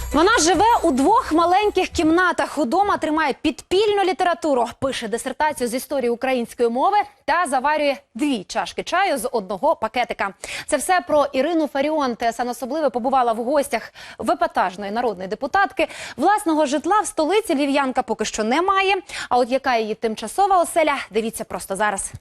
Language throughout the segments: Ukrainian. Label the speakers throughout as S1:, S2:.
S1: Вона живе у двох маленьких кімнатах. Удома тримає підпільну літературу, пише дисертацію з історії української мови та заварює 2 чашки чаю з одного пакетика. Це все про Ірину Фаріон. ТСН особливо побувала в гостях в епатажної народної депутатки. Власного житла в столиці львів'янка поки що не має. А от яка її тимчасова оселя, дивіться просто зараз.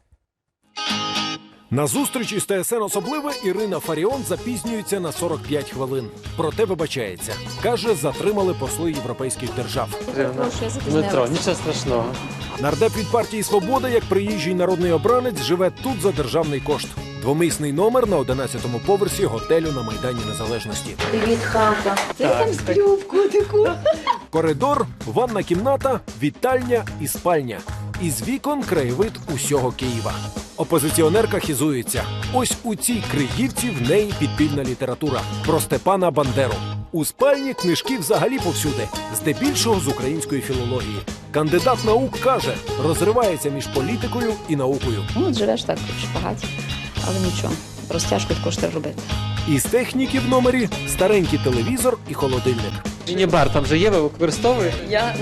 S2: На зустрічі з ТСН особливе Ірина Фаріон запізнюється на 45 хвилин. Проте вибачається. Каже, затримали посли європейських держав.
S3: Дмитро, нічого страшного.
S2: Нардеп від партії «Свобода», як приїжджий народний обранець, живе тут за державний кошт. Двомісний номер на 11-му поверсі готелю на Майдані Незалежності.
S4: Привіт, хата. Ти там сплю в кутику.
S2: Коридор, ванна кімната, вітальня і спальня. Із вікон краєвид усього Києва. Опозиціонерка хизується. Ось у цій криївці в неї підпільна література. Про Степана Бандеру. У спальні книжки взагалі повсюди. Здебільшого з української філології. Кандидат наук каже, розривається між політикою і наукою.
S4: Ну, от живеш так, в шпагаті, але нічого. Розтяжку також треба робити.
S2: Із техніки в номері старенький телевізор і холодильник.
S3: Міні-бар там же є, ви використовуєте?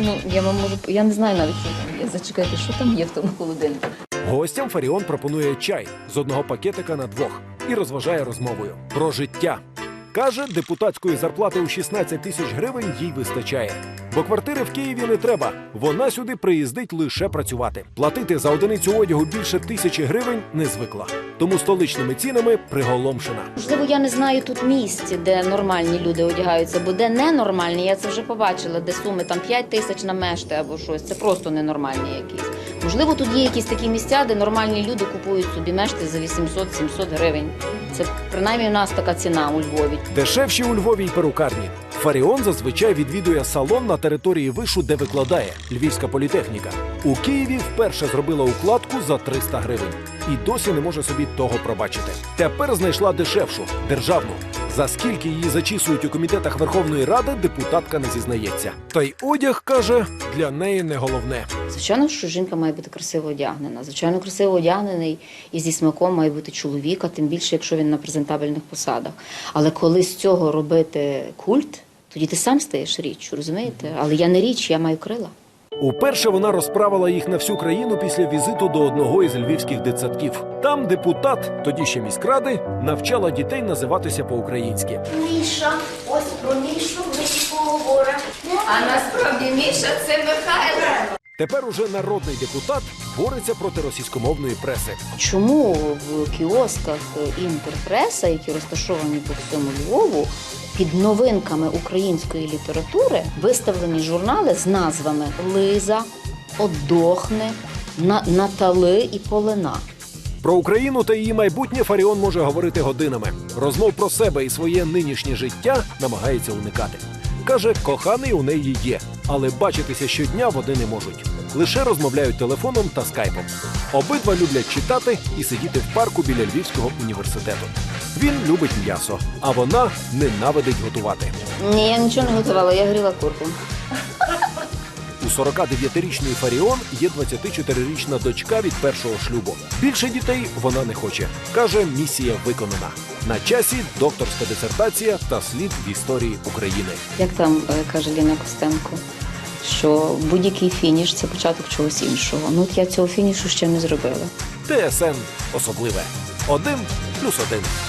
S4: Я не знаю навіть, що там є. Зачекайте, що там є в тому холодильнику.
S2: Гостям Фаріон пропонує чай з одного пакетика на 2 і розважає розмовою про життя. Каже, депутатської зарплати у 16 тисяч гривень їй вистачає. Бо квартири в Києві не треба. Вона сюди приїздить лише працювати. Платити за одиницю одягу більше 1000 гривень не звикла. Тому столичними цінами приголомшена.
S4: Можливо, я не знаю тут місць, де нормальні люди одягаються, бо де ненормальні, я це вже побачила, де суми там 5 тисяч на мешти або щось. Це просто ненормальні якісь. Можливо, тут є якісь такі місця, де нормальні люди купують собі мешти за 800-700 гривень. Це, принаймні, у нас така ціна у Львові.
S2: Дешевші у Львові й перукарні. Фаріон зазвичай відвідує салон на території вишу, де викладає – Львівська політехніка. У Києві вперше зробила укладку за 300 гривень. І досі не може собі того пробачити. Тепер знайшла дешевшу – державну. За скільки її зачісують у комітетах Верховної Ради, депутатка не зізнається. Та й одяг, каже, для неї не головне.
S4: Звичайно, що жінка має бути красиво одягнена. Звичайно, красиво одягнений і зі смаком має бути чоловік, а тим більше, якщо він на презентабельних посадах. Але коли з цього робити культ, тоді ти сам стаєш річчю, розумієте? Але я не річ, я маю крила.
S2: Уперше вона розправила їх на всю країну після візиту до одного із львівських дитсадків. Там депутат, тоді ще міськради, навчала дітей називатися по-українськи.
S5: Міша, ось про Мішу ми і поговоримо. А насправді Міша – це Михайло.
S2: Тепер уже народний депутат бореться проти російськомовної преси.
S4: Чому в кіосках інтерпреса, які розташовані по всьому Львову, під новинками української літератури виставлені журнали з назвами «Лиза», «Одохне», «Натали» і «Полина».
S2: Про Україну та її майбутнє Фаріон може говорити годинами. Розмов про себе і своє нинішнє життя намагається уникати. Каже, коханий у неї є, але бачитися щодня вони не можуть. Лише розмовляють телефоном та скайпом. Обидва люблять читати і сидіти в парку біля Львівського університету. Він любить м'ясо, а вона ненавидить готувати.
S4: Ні, я нічого не готувала, я гріла курку.
S2: У 49-річної Фаріон є 24-річна дочка від першого шлюбу. Більше дітей вона не хоче. Каже, місія виконана. На часі докторська дисертація та слід в історії України.
S4: Як там каже Ліна Костенко, що будь-який фініш – це початок чогось іншого. Ну, от я цього фінішу ще не зробила.
S2: ТСН особливе. 1+1.